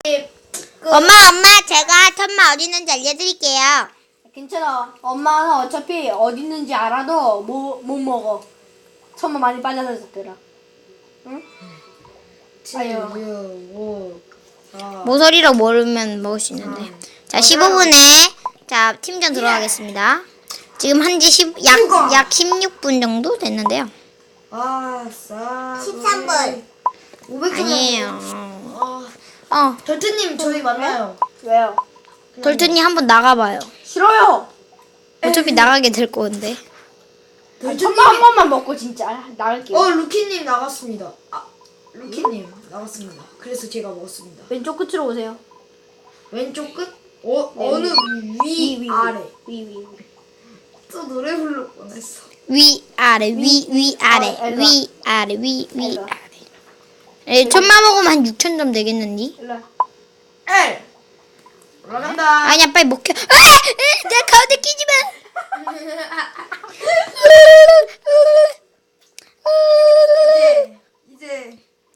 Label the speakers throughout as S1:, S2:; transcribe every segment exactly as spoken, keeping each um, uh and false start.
S1: 그,
S2: 엄마 엄마 제가 천마 어디 있는지 알려드릴게요.
S1: 괜찮아. 엄마는 어차피 어디 있는지 알아도 못, 못 먹어. 천마 많이 빠져서 있더라. 응?
S3: 칠, 육, 오, 사.
S2: 모서리로 모르면 먹을 수 있는데.
S1: 아.
S2: 자 십오 분에 자 팀전 들어가겠습니다. 지금 한지 약, 약 십육 분 정도 됐는데요.
S3: 아싸.
S2: 십삼 분.
S3: 오백 점.
S2: 아니에요.
S3: 아,
S2: 어
S3: 절트님 저희 만나요.
S1: 왜요?
S2: 돌튼이 한번 나가봐요.
S1: 싫어요.
S2: 어차피 나가게 될 건데.
S1: 아, 천마 한 번만 먹고 진짜 나갈게요.
S3: 어, 루키님 나갔습니다. 아, 루키님 나갔습니다. 그래서 제가 먹었습니다.
S1: 왼쪽 끝으로 오세요.
S3: 왼쪽 끝? 어,
S1: 네,
S3: 어느
S1: 위,
S3: 위,
S1: 위,
S3: 아래.
S1: 위, 위, 위.
S3: 또 노래 부를 뻔했어.
S2: 위 아래 위 위 아래
S1: 어, 일로 와.
S2: 위 아래 위 위
S1: 일로 와.
S2: 아래. 에, 천마 먹으면 한 육천 점 되겠는디?
S1: 일로 와.
S3: L. 올라간다.
S2: 아니야 빨리 먹혀. 아! 에, 내 가운데 끼지 마.
S3: 이제 이제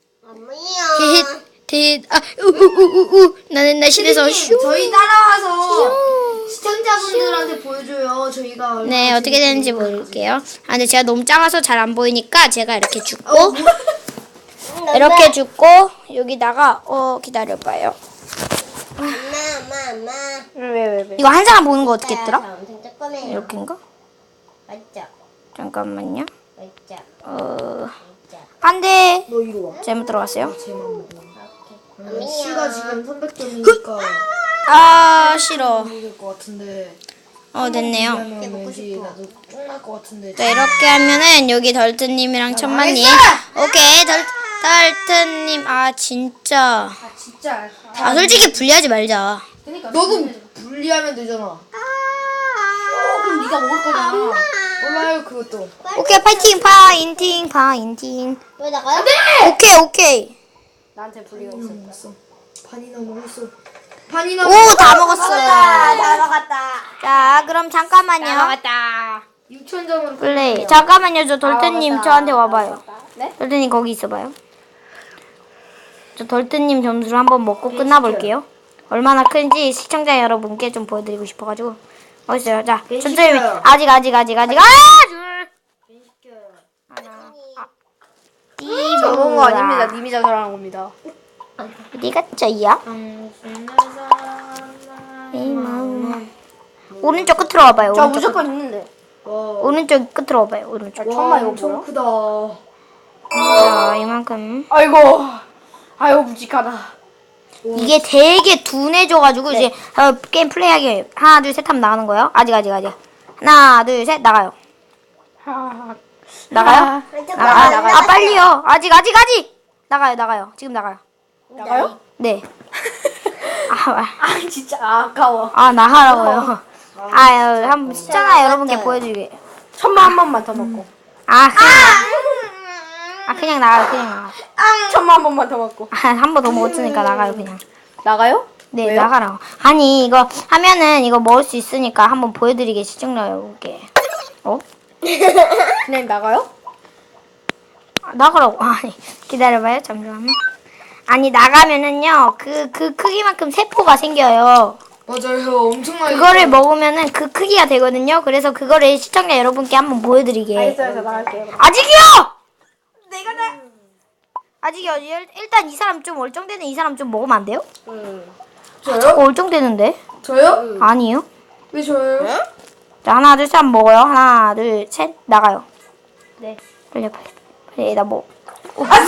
S2: 대, 대, 아, 우우우우 나는 날씬해서
S3: 선생님,
S2: 슈.
S3: 저희 따라와서 시청자분들한테 보여줘요. 저희가 얼마나
S2: 네 어떻게 되는지
S3: 재밌게
S2: 모를게요. 아 근데 제가 너무 작아서 잘 안 보이니까 제가 이렇게 죽고
S3: 어, 뭐?
S2: 이렇게 죽고 여기다가 어 기다려봐요.
S4: 엄마, 엄마, 엄마.
S1: 왜, 왜, 왜?
S2: 이거 한 사람 보는 거 어떻게 했더라?
S4: 엄청 조그매요.
S2: 이렇게인가?
S4: 맞죠?
S2: 잠깐만요.
S4: 맞죠?
S2: 어
S4: 맞죠?
S2: 안돼
S3: 너 이리 와.
S2: 잘못 들어갔어요.
S3: 제만 먹어.
S4: 오케이.
S3: C가 지금 삼백 점이니까
S2: 아 싫어.
S3: 먹을 것 같은데.
S2: 어 됐네요.
S3: 하면 왠지 나도 끝날 것 같은데.
S2: 자 이렇게 하면은 여기 덜트님이랑 천만님 오케이 덜 덜트님 아 진짜
S1: 아, 진짜.
S2: 아 솔직히 분리하지 말자.
S1: 그러니까.
S3: 너도 분리하면 되잖아.
S1: 어, 그럼 네가 먹을 거잖아.
S3: 몰라요 그것도.
S2: 오케이 파이팅 파인팅 파인팅.
S4: 왜 나가요?
S2: 오케이 오케이.
S1: 나한테 분리가
S3: 반이나
S1: 있어.
S3: 먹었어. 반이나 먹었어. 반이나
S2: 오 다
S3: 먹었어.
S2: 먹었어요.
S4: 다 먹었다.
S2: 자 그럼 잠깐만요.
S1: 나갔다.
S3: 육천 점으로
S2: 플레이. 잠깐만요 저 덜트님 저한테 와봐요.
S1: 네?
S2: 덜트님 거기 있어봐요. 저 덜트님 점수를 한번 먹고 끝나볼게요. 얼마나 큰지 시청자 여러분께 좀 보여드리고 싶어가지고. 어딨어요? 자 천천히
S3: 시켜요.
S2: 아직 아직 아직 아직 아 둘. 하나. 아.
S1: 저 먹은 거 아닙니다. 님이 자살하는 겁니다.
S2: 어디 갔죠야? 오른쪽 끝으로 와봐요.
S1: 저
S2: 오른쪽
S1: 무조건 있는데.
S3: 와,
S2: 오른쪽 끝으로 와봐요. 오른쪽.
S1: 천마 이거
S3: 엄청
S1: 뭐야?
S3: 크다.
S2: 자 이만큼.
S1: 아이고. 아이고 묵직하다.
S2: 이게 되게 둔해져가지고 이제 어, 게임 플레이하기 하나 둘 셋 하면 나가는 거예요. 아직 아직 아직. 하나 둘 셋 나가요.
S1: 하.
S2: 나가요?
S4: 왼쪽
S2: 아, 아,
S4: 나가요.
S2: 아 빨리요. 아직 아직 아직. 나가요 나가요. 지금 나가요.
S1: 나가요?
S2: 네. 아, 아,
S1: 아 진짜 아까워.
S2: 아 나가라고요. 아유 한번 시청자 여러분께 보여드리게.
S1: 천마 한 번만 더 먹고.
S2: 아 그냥 아 그냥 나가요 그냥 나가.
S1: 천마 한 번만 더 먹고.
S2: 한 번 더 먹었으니까 나가요 그냥.
S1: 나가요?
S2: 네
S1: 왜요?
S2: 나가라고. 아니 이거 하면은 이거 먹을 수 있으니까 한번 보여드리게 시청자 여러분께. 어?
S1: 그냥 나가요?
S2: 아, 나가라고. 아니 기다려봐요 잠시만요. 아니 나가면은요 그 그 크기만큼 세포가 생겨요.
S3: 맞아요. 엄청나게.
S2: 그거를 먹으면은 그 크기가 되거든요. 그래서 그거를 시청자 여러분께 한번 보여드리게.
S1: 알겠어요. 저 나갈게요.
S2: 아직이요! 내가 나 아직이요. 일- 일단 이 사람 좀 얼쩡되는 이 사람 좀 먹으면 안 돼요?
S3: 저요?
S2: 저거 얼쩡되는데?
S3: 저요?
S2: 아니요.
S3: 왜 저요?
S2: 자 하나 둘 셋 한번 먹어요. 하나 둘 셋 나가요.
S1: 네.
S2: 빨리 빨리 빨리 나 뭐.
S3: 아싸!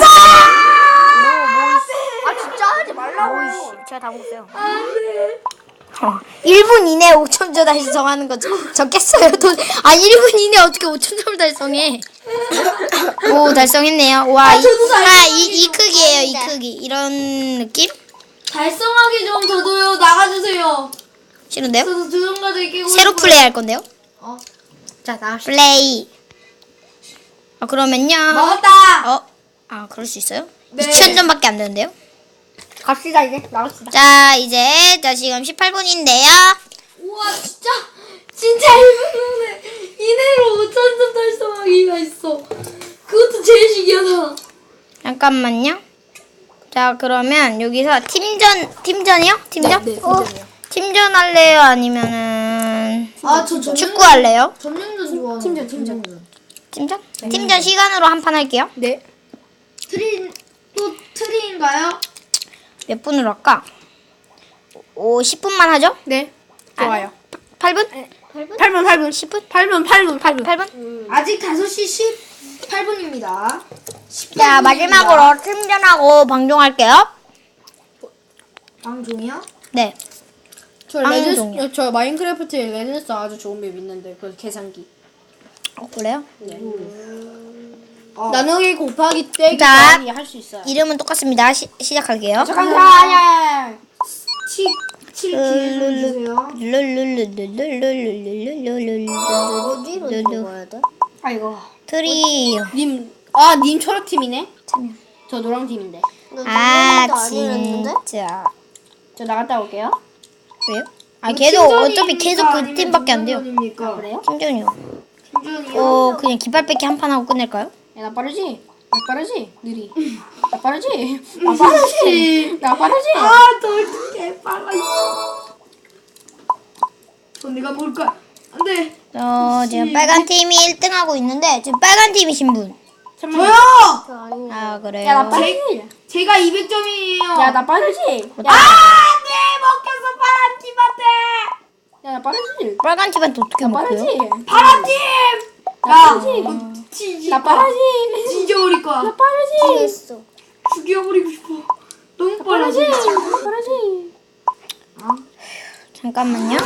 S1: 아 진짜 하지 말라고.
S2: 오이씨 제가 다 먹었어요. 어, 일 분 이내에 오천 점 달성하는 거 저, 적겠어요. 돈. 아 일 분 이내에 어떻게 오천 점을 달성해? 오 달성했네요. 와, 이, 아, 이, 이 크기예요. 이 크기. 이런 느낌?
S3: 달성하기 좀 저도요. 나가주세요.
S2: 싫은데요?
S3: 저도 조종가들 끼고.
S2: 새로
S3: 싶어요.
S2: 플레이 할 건데요?
S3: 어.
S1: 자 나갑시다.
S2: 플레이. 아 그러면요.
S3: 먹었다.
S2: 어? 아 그럴 수 있어요?
S3: 네.
S2: 이천 점밖에 안 되는데요?
S1: 갑시다 이제 나갑시다.
S2: 자 이제 자 지금 십팔 분인데요.
S3: 우와 진짜 진짜 일 분 만에 이내로 오천 점 달성하기가 있어. 그것도 제일 신기하다.
S2: 잠깐만요. 자, 그러면 여기서 팀전, 팀전이요? 팀전?
S1: 네,
S2: 어? 팀전 할래요? 아니면은
S3: 아저 저
S2: 축구 할래요?
S3: 점령전 좋아하는.
S1: 팀전, 팀전.
S2: 팀전? 팀전 시간으로 한 판 할게요.
S1: 네.
S3: 트리 또 트리인가요?
S2: 몇 분으로 할까? 오, 십 분만 하죠?
S1: 네. 좋아요.
S2: 팔 분?
S1: 팔 분, 팔 분.
S2: 십 분?
S1: 팔 분, 팔 분, 팔 분.
S2: 팔 분?
S3: 아직 다섯 시 십팔 분입니다.
S2: 자, 마지막으로 팀전하고 방종할게요.
S3: 방종이요?
S2: 네.
S1: 저
S2: 방종이요.
S1: 레드, 저 마인크래프트에 레드스 아주 좋은 맵 있는데 그 계산기.
S2: 어, 그래요?
S3: 어.
S1: 나누기 곱하기 빼기
S2: 자.
S1: 더하기 할 수 있어요.
S2: 이름은 똑같습니다. 시, 시작할게요.
S1: 잠깐, 아야.
S3: 치, 칠 기회 주세요.
S2: 룰룰룰룰룰룰룰룰룰룰룰룰룰룰.
S4: 어디로 들어가야 돼?
S1: 아이고.
S2: 트리오.
S1: 님, 아, 님 초록팀이네?
S2: 참여.
S1: 저 노랑팀인데.
S4: 너
S2: 아,
S4: 점령도 아니랬는데?
S2: 진짜.
S1: 저 나갔다 올게요.
S2: 왜요? 아, 걔도 어차피 계속 그 팀밖에 안 돼요.
S3: 팀전입니까?
S1: 그래요?
S2: 팀전이요.
S3: 팀전이요?
S2: 어, 그냥 깃발 뺏기 한 판 하고 끝낼까요?
S1: 야, 나 빠르지? 나 빠르지? 느리. 나 빠르지? 나 빠르지? 나 빠르지?
S3: 아, 덜 개빨라. 저 내가 뭘 거야? 안 돼.
S2: 어, 지금 빨간 팀이 일 등 하고 있는데, 지금 빨간 팀이신 분.
S3: 저요!
S4: 저 아니야.
S2: 아, 그래요?
S1: 야, 나 빠르지?
S3: 제가 이백 점이에요.
S1: 야, 나 빠르지? 야,
S3: 아, 네, 먹혔어, 파란 팀한테.
S1: 야, 나 빠르지?
S2: 빨간 팀한테 어떻게
S1: 나
S2: 먹고요?
S1: 빠르지?
S3: 파란 팀!
S1: 나
S3: 야,
S1: 빠르지?
S3: 너 진짜
S1: 나 빠르지?
S3: 죽여버릴 거야.
S1: 나 빠르지?
S4: 했어.
S3: 죽여버리고 싶어. 너무
S1: 빠르지?
S3: 빨라지.
S1: 나 빠르지?
S2: 잠깐만요.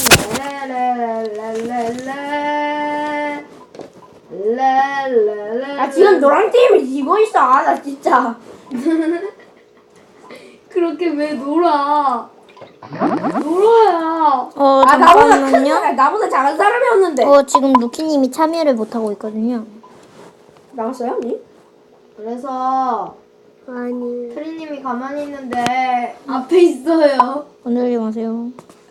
S1: 아, 지금 노랑팀이 이기고 있어. 아, 나 진짜.
S3: 그렇게 왜 놀아? 놀아야.
S2: 어,
S1: 아, 나보다 큰
S2: 잠깐만요.
S1: 사람, 나보다 작은 사람이었는데.
S2: 어, 지금 루키님이 참여를 못하고 있거든요.
S1: 나왔어요, 니?
S3: 그래서
S4: 아니.
S3: 트리님이 가만히 있는데 앞에 있어요.
S2: 건들지 마세요.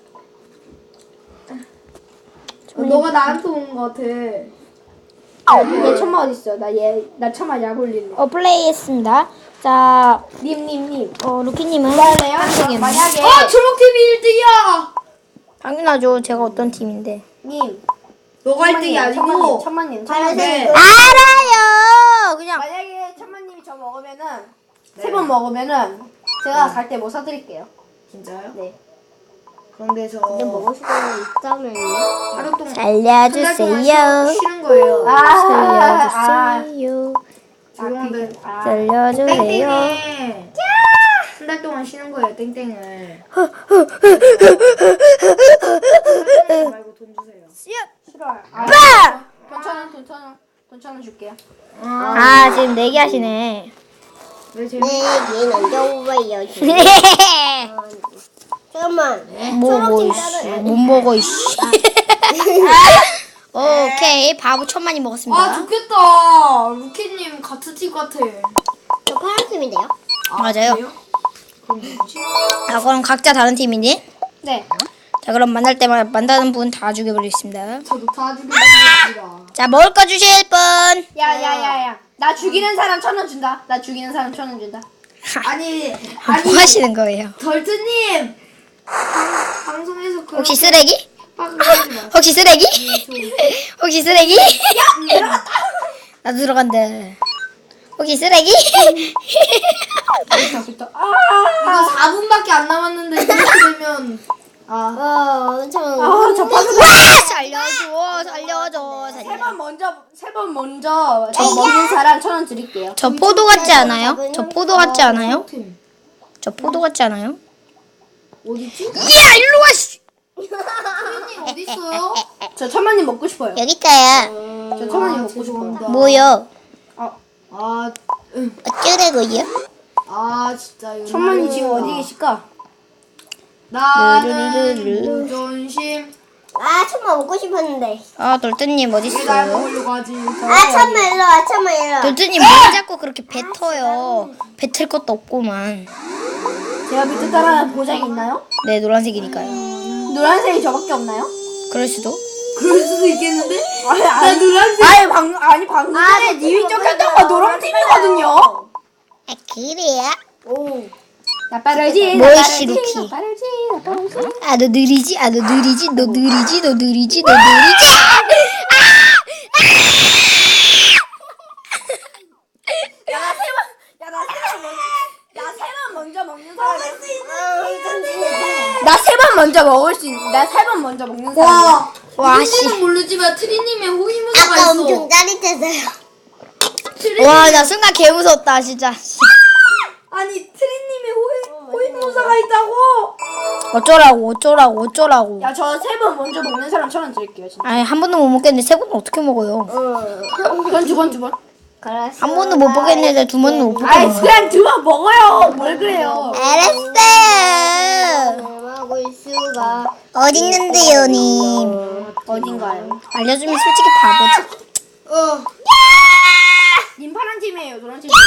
S3: 어, 너가 나한테 온 거 같아.
S1: 얘 천마 어딨어? 나 얘, 나 천마 약 올릴래.
S2: 어, 플레이했습니다. 자,
S1: 님, 님, 님.
S2: 어, 루키님은
S1: 할래요?
S2: 한국이네.
S1: 만약에.
S3: 아, 초록팀이 일 등이야.
S2: 당연하죠. 제가 어떤 팀인데.
S1: 님.
S3: 너가 일 등이 아니고.
S1: 천만님, 천만님.
S3: 네.
S2: 알아요. 그냥
S1: 만약에 천만님이 저 먹으면은, 세 번 먹으면은, 제가 갈 때 뭐 사드릴게요.
S3: 진짜요?
S1: 네.
S3: 그런데 저
S4: 근데 먹을 시간이 있다면요?
S3: 하루 동안
S2: 살려주세요.
S3: 쉬는 거예요.
S1: 아, 아,
S2: 살려주세요.
S3: 죄송한데
S1: 아,
S2: 살려주세요.
S3: 땡땡이 한 달 동안 쉬는 거예요. 땡땡을. 말고 돈 주세요.
S1: 싫어요. 아,
S2: 빠!
S1: 돈 천 원, 돈 천 원, 돈 천 원 줄게요.
S2: 아, 지금 내기하시네.
S3: 왜 제?
S4: 네, 얘는 여우예요. 잠깐만.
S2: 뭐, 뭐,
S4: 초록팀
S2: 이씨.
S4: 따로-
S2: 못 먹어, 이씨. 오케이. 바보 천만이 먹었습니다.
S3: 아 좋겠다. 루키님 같은 팀 같아.
S4: 저 파란 팀인데요?
S2: 맞아요.
S3: 그래요? 그럼 누구지?
S2: 아, 그럼 각자 다른 팀이니?
S1: 네.
S2: 자, 그럼 만날 때마다 만나는 분 다 죽여버리겠습니다.
S3: 저도 다 죽여주겠습니다.
S2: 자, 먹을 거 주실 분.
S1: 야, 야, 야, 야. 나 죽이는 사람 천 원 준다. 나 죽이는 사람 천 원 준다.
S3: 아니
S2: 뭐
S3: 아니
S2: 하시는 거예요?
S3: 덜트님 방- 방송에서 그런
S2: 혹시 쓰레기?
S3: 하지 마.
S2: 혹시 쓰레기? 혹시 쓰레기? 나도 들어간다. 혹시 쓰레기?
S3: 이거 사 분밖에 안 남았는데 이렇게 되면 아
S4: 어, 엄청.
S1: 아, 저 파스
S2: 살려줘, 살려줘,
S1: 세
S2: 살려.
S1: 번 먼저, 세 번 먼저 저 먹는 사람 천 원 드릴게요.
S2: 저 포도 같지 않아요? 저 포도 같지 않아요?
S3: 팀
S2: 저 포도 같지 않아요?
S3: 어디지?
S2: 야, 일로 와, 씨.
S3: 트리님 어디 있어요?
S1: 저 천만님 먹고 싶어요.
S2: 여기 있어요.
S1: 저 천만님
S3: 아,
S1: 먹고 싶어요.
S3: 죄송합니다.
S2: 뭐요?
S3: 아, 응.
S2: 어쩌라고요?
S3: 아 진짜 이거
S1: 천만님 지금 어디 계실까?
S3: 나는
S2: 르르르르.
S3: 무존심
S4: 아, 천만 먹고 싶었는데.
S2: 아, 돌뜨님
S3: 왜 날
S2: 어딨어요?
S3: 먹으려고 하지?
S4: 아, 천만 일로 와, 천만 일로 와.
S2: 돌뜨님 왜 자꾸 그렇게 뱉어요? 뱉을 것도 없고만.
S1: 제가 밑에 따라 보장이 있나요?
S2: 네, 노란색이니까요.
S1: 노란색이 저밖에 없나요?
S2: 그럴 수도.
S3: 그럴 수도 있겠는데?
S1: 아니,
S3: 나
S1: 아니,
S3: 노란색
S1: 아니, 방, 아니 방금 전에 님이 쫓겼던 거 노랑팀이거든요.
S2: 아, 그래요?
S1: 오. 나 빠르지.
S2: 뭐이
S1: 나 빠르지,
S2: 시루키.
S1: 나 빠르지. 나 빠르지.
S2: 아 너 느리지? 아 너 느리지? 너 느리지? 너 느리지? 너 느리지?
S1: 야나세번야나세 번 먼저 먹는 사람. 나세 번 먼저 먹을 수 있. 나세 번 먼저 먹는 사람.
S2: 와 씨.
S3: 누군지는 모르지만 트리님의 호위무사가
S4: 아까
S3: 있어.
S4: 엄청 짜릿했어요.
S2: 와 나 순간 개 무섭다 진짜.
S3: 아니 트리님의 호위 호위무사가 있다고.
S2: 어쩌라고 어쩌라고 어쩌라고.
S1: 야 저 세 번 먼저 먹는 사람 천 원 드릴게요 진짜.
S2: 아니 한 번도 못 먹겠는데 세 번은 어떻게 먹어요?
S1: 그건 두 번 두 번.
S2: 한 번도 못 먹겠는데 두 번은 못
S1: 아이
S2: 먹겠네.
S1: 그냥 두 번 먹어요. 뭘 그래요?
S2: 알았어요.
S4: 먹을 수가.
S2: 어딨는데요 님?
S1: 어딘가요?
S2: 알려주면 솔직히 바보지.
S4: 어.
S1: 님 파란 팀이에요. 노란 팀.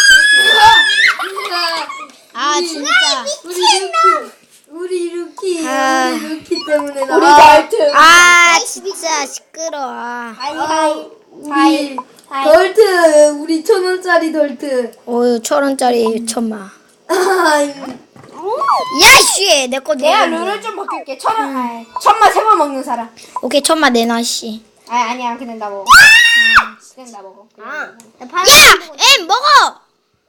S2: 아 진짜.
S3: 우리 루키. 우리 루키.
S2: 아.
S3: 우리 루키 때문에 나.
S1: 우리 달트.
S2: 아 진짜 시끄러워.
S1: 하이 하이.
S3: 우리 덜트. 우리 천 원짜리 덜트.
S2: 오유 천 원짜리 천마.
S3: 아이.
S2: 야씨 내거
S1: 내가
S2: 내가
S1: 룰을 좀 바꿀게. 천 원. 아이, 천마 세 번 먹는 사람.
S2: 오케이 천마 내놔 씨.
S1: 아 아니야 그냥 나 먹어. 그냥 나 먹어.
S4: 아. 나
S2: 야! 엠 먹어!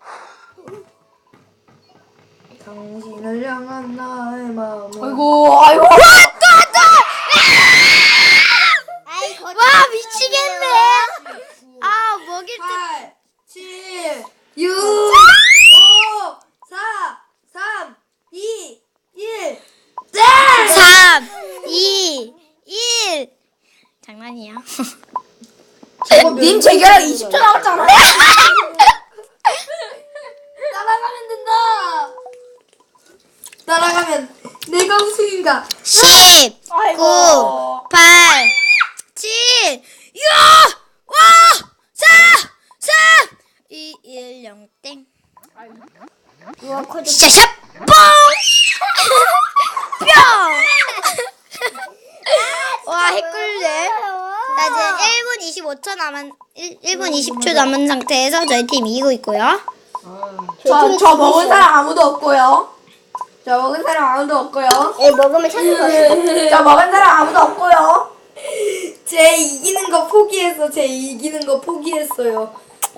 S3: 당신을 향한 나의 마음은.
S1: 아이고 아이고.
S2: 와 미치겠네. 아 먹일 때.
S3: 팔, 칠, 육, 오, 사, 삼, 이, 일.
S2: 삼, 이, 일. 장난이야.
S1: 님 재결합 이십 초 남았잖아.
S3: 따라가면 된다. 따라가면 내가 우승인가?
S2: 십,
S1: 아이고.
S2: 구, 팔, 칠, 육, 오, 사, 삼, 이, 일, 영, 땡. 샤샤 뽕! 뿅! 와 헷갈리네. 나 이제 일 분 이십오 초 남은 일 분 이십 초 남은 상태에서 저희 팀 이기고 있고요.
S1: 저, 저 먹은 사람 아무도 없고요. 저 먹은 사람 아무도 없고요.
S4: 애 먹으면 찾는 거야.
S1: 저 먹은 사람 아무도 없고요.
S3: 제 이기는 거 포기해서 제 이기는 거 포기했어요.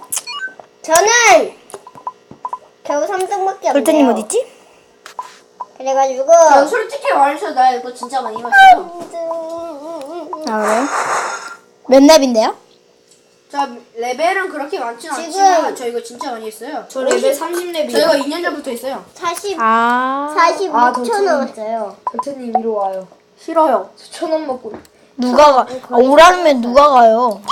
S4: 저는 겨우 삼 등밖에 안 돼요.
S2: 돌트님 어디 있지?
S4: 그래가지고
S1: 저 솔직히 말해서 나 이거 진짜 많이 마셔요.
S2: 아 그래요? 몇 렙인데요?
S1: 저 레벨은 그렇게 많지는
S4: 지금-
S1: 않지만 저 이거 진짜 많이 했어요.
S3: 저 레벨 삼십
S1: 저
S3: 렙이에요.
S1: 이거 이 년 전부터 했어요.
S4: 사십
S2: 아
S4: 사십오
S3: 아,
S4: 초
S3: 더
S4: 남았어요.
S3: 덜트님 이리 와요.
S1: 싫어요.
S3: 천 원 먹고.
S2: 누가 가? 아, 오라면 누가 가요?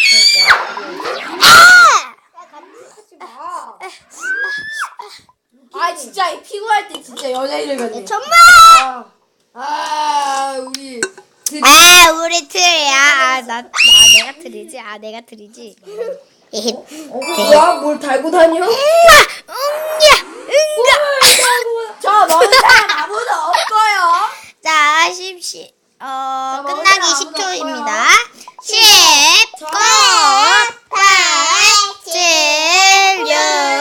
S1: 아 진짜 이 피구할 때 진짜 여자 이름이거든요.
S2: 정말?
S3: 아 우리
S2: 아 우리 틀이야. 아, 나, 나 내가 틀이지. 아 내가 틀이지. 에헤.
S3: 어, 뭐야? 뭘 달고 다녀?
S2: 응가 응가.
S1: 저 먹은 사람 아무도 없고요.
S2: 자 십시 어
S1: 자,
S2: 끝나기
S1: 먹을
S2: 십
S1: 사람 아무도
S2: 초입니다. 십, 구, 팔, 칠, 육,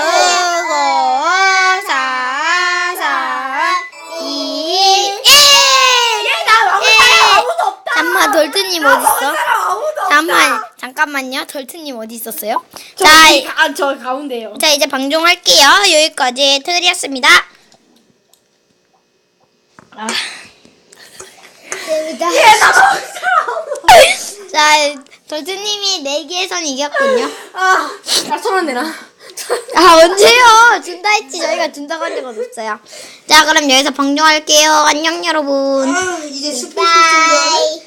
S2: 오, 사, 삼, 이, 일.
S1: 나 먹은 사람 아무도 없다.
S2: 잠깐만 돌트님 어디 있어?
S1: 사람 아무도 없다.
S2: 잠깐만 잠깐만요. 돌트님 어디 있었어요?
S1: 저,
S2: 자,
S1: 이- 아, 저 가운데요.
S2: 자 이제 방종할게요. 여기까지 틀이었습니다. 아. 자 돌트님이 내기에선 이겼군요.
S1: 아, 나천원 내놔.
S2: 아 언제요? 준다 했지. 저희가 준다고 한 적은 없어요. 자 그럼 여기서 방종할게요. 안녕 여러분.
S3: 아, 이제 슈퍼
S4: 바이.